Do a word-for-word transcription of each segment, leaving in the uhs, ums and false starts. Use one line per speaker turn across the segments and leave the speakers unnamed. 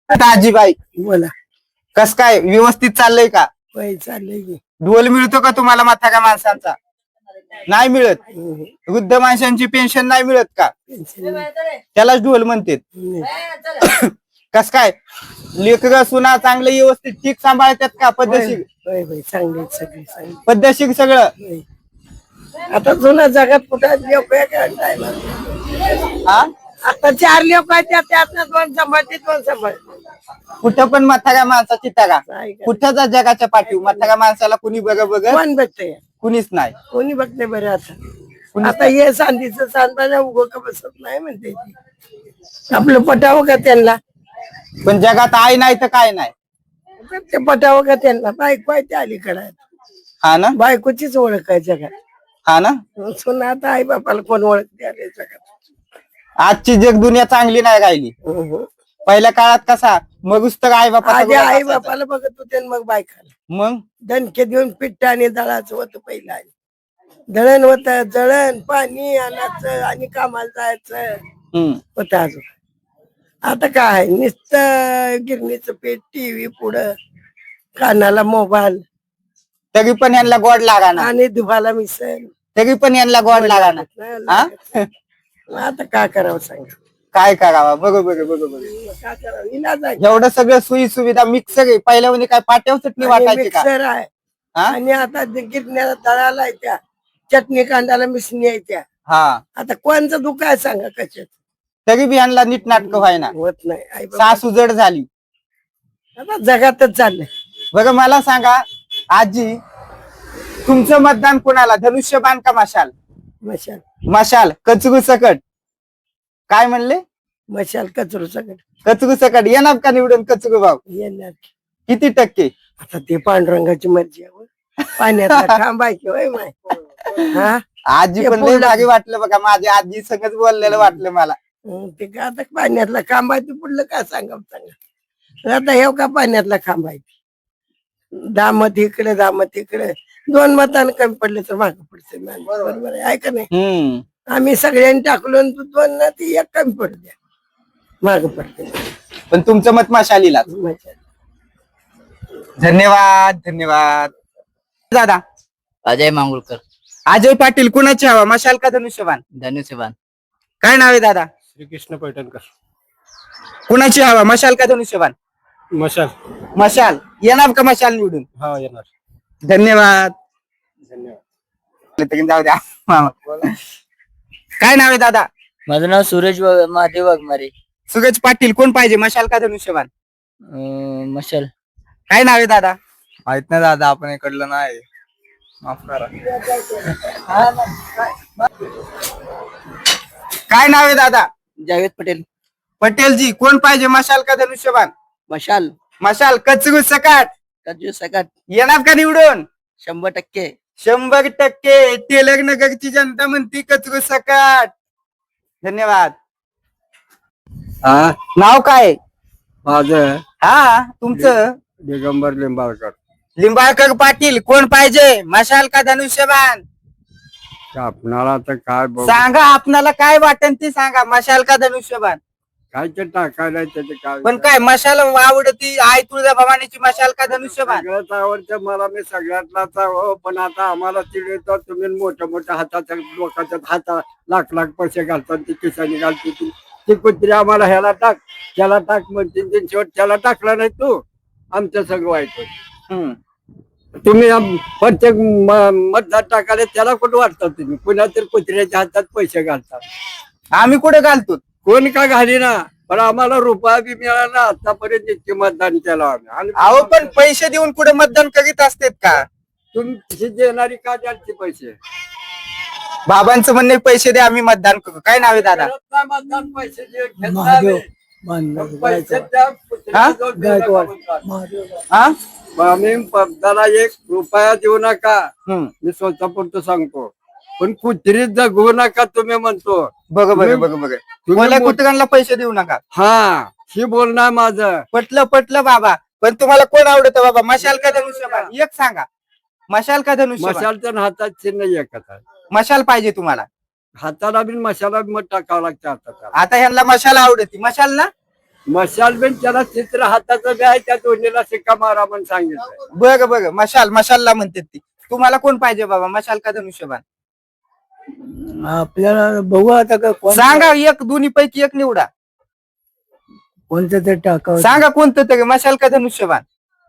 आता आजीबाई
बोला.
कस काय व्यवस्थित चाललंय का?
वय चाललंय की.
ढोल मिळतो का तुम्हाला म्हाताऱ्या माणसांचा? नाही मिळत.
हम्म.
वृद्ध माणसांची पेन्शन नाही मिळत का?
पेन्शन नाही.
त्यालाच ढोल म्हणतात.
नाही.
कस काय लेकरं सुना चांगलं व्यवस्थित ठीक सांभाळतात का? पद्धतशीर
वय वय चांगली आहेत सगळी चांगली.
पद्धतशीर सगळं.
वय. आता जुना जगात कुठं लोक टायला
हा
आता चार लोक आहेत त्या त्यातनं दोन सांभाळते दोन सांभाळते.
कुठं पण म्हाताऱ्या माणसाची तगा
काय काय.
कुठं जगाच्या पाठीव म्हाताऱ्या माणसाला कुणी बघ बघ
कोण बघतंय
कुणीच नाही.
कोणी बघते बरं आता. आता हे सांदीचं सांगताना उगं का बसत नाही म्हणते ती. आपलं पटावं का त्यांना?
पण जगात आई नाही तर काय नाही.
ते पटावं का त्यांना? बायको आहे त्या अलीकडे आहेत.
हा ना
बायकोचीच ओळख आहे जगात.
हा ना
सुना आता आई बापाला कोण ओळखते आले जगात.
आजची जग दुनिया चांगली नाही राहिली. पहिल्या काळात कसा मगच तर आई बापा
आधी आई बापाला बघत होते आणि मग बायकाला.
मग
दणके देऊन पिट्ट आणि दळाचं होतं पहिलं. आणि दळण होत जळण पाणी आणायचं आणि कामाला जायचं
हम्म
होत अजून. आता काय नुसतं गिरणीचं पीठ टीव्ही पुढं कानाला मोबाईल
तरी पण यांना गोड लागा ना.
आणि दुभाला मिसळ.
तरी पण यांना गोड लागा ना. हा?
आता काय करावं सांगा.
काय करावा बरोबर बरोबर.
काय करावं इलाज आहे.
एवढं सगळं सोयी सुविधा मिक्सर आहे. पहिल्या म्हणजे काय पाट्यावर चटणी वाटायची का?
मिक्सर आहे
हा?
आणि आता गिरण्याला दळाला आहे त्या चटणी कांदाला मिसणी आहे त्या.
हा
आता कोणचं दुःख आहे सांगा कशात.
तरी बी यांना नीट नाटक व्हायना.
होत नाही. आई बाबा
सासू जड झाली.
आता जगातच चाललंय.
बघा मला सांगा आजी तुमचं मतदान कोणाला? धनुष्यबाण का मशाल?
मशाल.
मशाल कचरू सकट. काय म्हणले?
मशाल कचरू सगळं
कचरू सकट येणार का निवडून कचरू भाऊ?
येणार.
किती टक्के?
आता ते पांडुरंगाची मर्जी आहे. पाण्यातला खांब आहे की होय माय. हा
आजी
ते
पण लय
बोललं.
भारी वाटलं बघा. माझ्या आजी सगळंच बोललेलं वाटलं मला.
हं, ते का आता पाण्यातला खांब आहे ते पुढलं काय सांगा सांगा. आता हे का पाण्यातला खांब आहे. दामत इकडे दामत इकडे दोन मतानं कमी पडले तर मागं पडते. बरोबर आहे का नाही?
हम्म
आम्ही सगळ्यांनी टाकलो आणि तू दोन ना ती एक कमी पडू द्या माग पडते.
पण तुमचं मत मशालीला.
मजा.
धन्यवाद धन्यवाद दादा.
अजय मांगुळकर.
अजय पाटील कुणाची हवा? मशाल का धनुष्यबाण?
धनुष्यबाण.
काय नाव आहे दादा?
श्रीकृष्ण पैठणकर.
कुणाची हवा? मशाल का धनुष्यबाण?
मशाल.
मशाल येणार का मशाल निवडून?
हा येणार.
धन्यवाद.
धन्यवाद.
जाऊ द्या मामा. काय नाव आहे दादा?
माझं नाव सूरज वा- महादेव वाघमारे.
सुरेश पाटील कोण पाहिजे? मशाल का धनुष्यबाण?
अं, मशाल.
काय नाव आहे दादा?
माहित नाही दादा आपण इकडलं नाही. माफ करा.
काय नाव आहे दादा?
जावेद पटेल.
पटेलजी कोण पाहिजे? मशाल का धनुष्यबाण?
मशाल.
मशाल कचरू सकाट
कजू सकाट.
येणार का निवडून?
शंभर टक्के.
शंभर टक्के. टेलर नगरची जनता म्हणती कचरू सकाट. धन्यवाद.
हा
नाव काय?
माझं
हा तुमचं?
दिगंबर लिंबाळकर.
लिंबाळकर पाटील कोण पाहिजे? मशाल का धनुष्यबाण?
आपणाला तर काय बघ
सांगा आपणाला काय वाटन ते सांगा. मशाल का धनुष्यबाण?
काय ते टाकायला त्याचे काय.
पण काय मशाल आवडती? आई तुळजाभवानीची मशाल का धनुष्यबाण?
सगळ्याच आवडतं मला. मी सगळ्यातलाच हो पण आता आम्हाला चिडवतो तुम्ही मोठ्या मोठ्या हाताच्या लोकांच्या हाता लाख लाख पैसे घालतात ती खिशाने घालते ती ती कुत्री आम्हाला ह्याला टाक त्याला टाक म्हणते ती शेवट त्याला टाकला नाही तू आमचं सगळं वाईट होतं.
हम्म.
तुम्ही आम- प्रत्येक म- मतदार टाकायला त्याला कुठं वाटतात तुम्ही पुन्हा तर कुत्र्याच्या हातात पैसे घालतात.
आम्ही कुठे घालतो?
कोण का घाली ना पण आम्हाला रुपया बी मिळाला आतापर्यंत इतके मतदान केलं आम्ही. आणि
अहो पण पैसे देऊन कुठे मतदान करीत असतात का?
तुम्ही देणारी का द्याल पैसे?
बाबांचं म्हणणे पैसे द्या आम्ही मतदान करू. काय नाव आहे दादा?
करत नाही मतदान पैसे जे घेत
महादेव.
नाही. पैसे द्या, कुत्र्याला जाऊन देऊ नका म्हणतात.
हा
मग आम्ही पदाला एक रुपया देऊ नका.
हम्म.
मी स्वतःपुरतं सांगतो पण कुत्री जगवू नका तुम्ही म्हणतो.
बघ बघ
तुम्ही-
बघ बघ
तुम्ही
मला
मोठ-
कुत्र्यांना पैसे देऊ नका.
हा ही बोलणार माझं.
पटलं पटलं बाबा. पण तुम्हाला कोण आवडतं बाबा? मशाल का धनुष्यबाण? एक सांगा. मशाल का धनुष्यबाण?
मशालच्या हातात चिन्ह एकच आहे.
मशाल पाहिजे तुम्हाला?
हाताला बी मशाला बी मग टाकावं लागतं हातात.
आता ह्यांना मशाल आवडती. मशाल ना
मशाल बिन त्याला चित्र हाताचं बी आहे, त्या दोन्हीला शिक्का मारा म्हणून सांगितलं.
बघ बघ मशाल मशालला म्हणतात ती. तुम्हाला कोण पाहिजे बाबा, मशाल का धनुष्यबाण?
आपल्याला बघू आता का कोण
सांगा एक, दोन्ही पैकी एक निवडा.
कोणतं ते टाकावं.
सांगा कोणतं तरी, मशाल का धनुष्यबाण?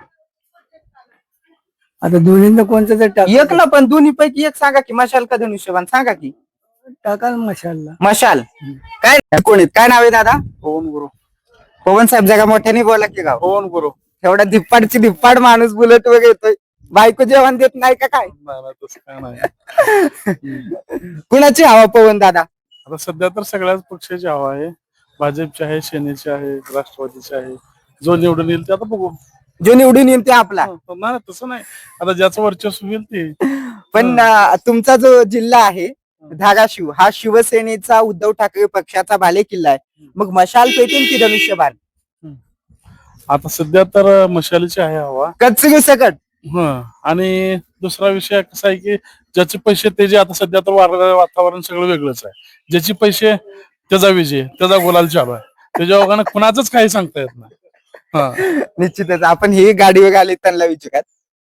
आता दोन्हींना कोणतं ते टाक
एक ना, पण दोन्ही पैकी एक सांगा की, मशाल का धनुष्यबाण सांगा की.
टाकाल मशालला.
मशाल काय कोण आहेत? काय नाव आहे दादा?
पवन गुरु.
पवन साहेब जगा मोठ्याने बोला की गाव.
पवन गुरु.
एवढा धिप्पाडची धिप्पाड माणूस बुलेट वगैरे येतोय, बायको जेवण देत नाही का काय?
नाही नाही, तसं काय नाही.
कुणाची हवा पवन दादा?
आता सध्या तर सगळ्याच पक्षाची हवा आहे. भाजपची आहे, सेनेची आहे, राष्ट्रवादीची आहे. जो निवडून येईल ते आता बघू.
जो निवडून येईल ते आपला.
नाही नाही, तसं नाही. आता ज्याचं वर्चस्व होईल ते.
पण अं, तुमचा जो जिल्हा आहे धाराशिव, हा शिवसेनेचा उद्धव ठाकरे पक्षाचा बाले किल्ला आहे. मग मशाल पेटेल की धनुष्यबाण?
आता सध्या तर मशालीची आहे हवा.
कचरी सकट.
हं. आणि दुसरा विषय कसा आहे की ज्याचे पैसे ते जे, आता सध्या तर वार- वातावरण सगळं वेगळंच आहे. ज्याचे पैसे त्याचा विजय, त्याचा गुलाल चालू आहे. त्याच्या ओघानं कुणाचंच काही सांगता येत नाही. हा.
निश्चितच आपण हे गाडीवर आले त्यांना विचारत.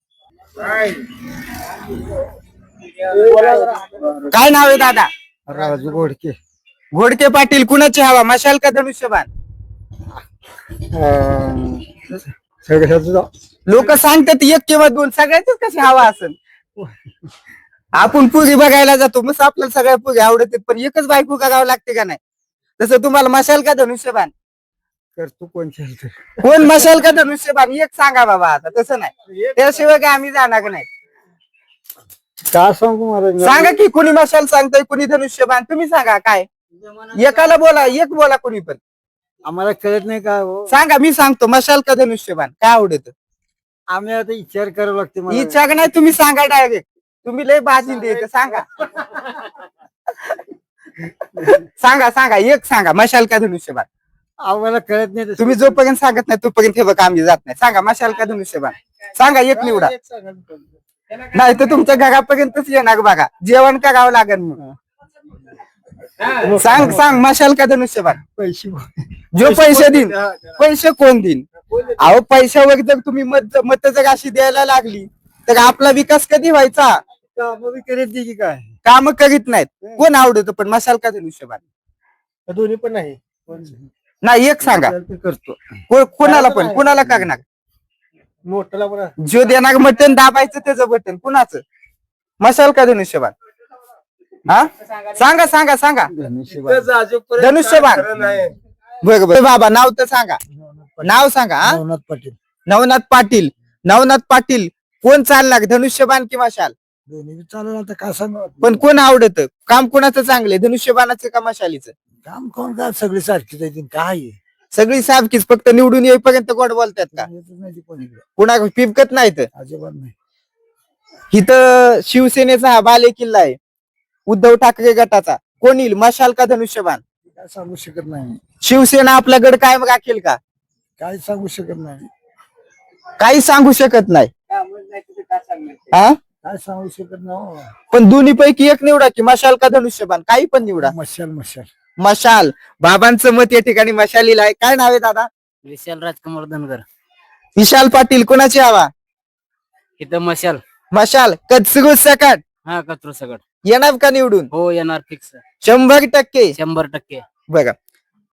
काय नाव आहे दादा?
राजू घोडके.
घोडके पाटील. कुणाची हवा, मशाल का धनुष्यबाण? लोक सांगतात एक किंवा दोन, सगळ्याच कशी हवा असेल. आपण पुरी बघायला जातो, मग आपल्याला सगळ्या पुरी आवडतात, पण एकच बायको करावं लागते का नाही? तसं तुम्हाला मशाल का धनुष्यबाण?
करतो कोण खेळतो.
कोण मशाल का धनुष्यबाण एक सांगा बाबा. आता तसं नाही, त्याशिवाय काय आम्ही जाणार नाही.
का सांगू मला?
सांगा की कुणी मशाल सांगतोय, कुणी धनुष्यबाण, तुम्ही सांगा. काय एकाला बोला, एक बोला कुणी पण.
आम्हाला कळत नाही का हो?
सांगा, मी सांगतो मशाल का धनुष्यबाण काय आवडत.
आम्ही आता विचार करावं लागते मला.
इच्छा नाही, तुम्ही सांगा डायरेक्ट. तुम्ही लय बाजी द्यायचं, सांगा. सांगा सांगा एक सांगा, मशाल का धनुष्यबाण?
आम्हाला कळत नाही तसं.
तुम्ही जोपर्यंत सांगत नाही तोपर्यंत हे बघा आम्ही जात नाही. सांगा मशाल का धनुष्यबाण? सांगा एक निवडा, नाही तर तुमच्या घरापर्यंतच येणार बघा. जेवण करावं लागेल मग. सांग सांग मशाल का धनुष्यबाण?
पैसे
जो पैसे देईन. पैसे कोण देईन? अहो पैशावर जर तुम्ही मत मत जर अशी द्यायला लागली तर आपला विकास कधी व्हायचा?
कामं करीत नाही की काय?
काम करीत नाहीत. कोण आवडत पण मशाल का धनुष्यबाण?
दोन्ही पण नाही.
नाही एक सांगा.
करतो
को- कोणाला पण, कोणाला करणार?
मोठ्याला पण.
जो देणार बटन दाबायचं त्याचं बटन कुणाचं? मशाल का धनुष्यबाण? हा सांगा सांगा सांगा. धनुष्यबाण. बरं बरं बाबा, नाव तर सांगा, नाव सांगा. हा?
नवनाथ पाटील.
नवनाथ पाटील. नवनाथ पाटील. कोण चालणार, धनुष्यबाण की मशाल?
दोन्ही चालू आता का सांग.
पण कोण आवडत? काम कोणाचं चांगले, धनुष्यबाणाचं का मशालीचं?
काम कोण का सगळी सारखीच आहे. काय
सगळी सारखीच, फक्त निवडून येईपर्यंत गोड बोलतात का?
नाही कोणीकडे
कुणा पिपकत नाहीत.
अजिबात नाही.
इथं शिवसेनेचा हा बाले किल्ला आहे, उद्धव ठाकरे गटाचा. कोण येईल, मशाल का धनुष्यबाण?
काय सांगू शकत नाही.
शिवसेना आपला गड कायम राखेल का?
काय सांगू शकत नाही.
काही सांगू शकत नाही. हा
काय सांगू शकत नाही.
पण दोन्ही पैकी एक निवडा की, मशाल का धनुष्यबाण? काही पण निवडा.
मशाल मशाल
मशाल. बाबांचं मत या ठिकाणी मशालीला आहे. काय नाव आहे दादा?
विशाल राजकुमार धनगर.
विशाल पाटील. कोणाची हवा?
इथं मशाल.
मशाल. कचरू सकट
हा कचरू सगळं
येणार का निवडून?
हो येणार फिक्स.
शंभर टक्के.
शंभर टक्के.
बघा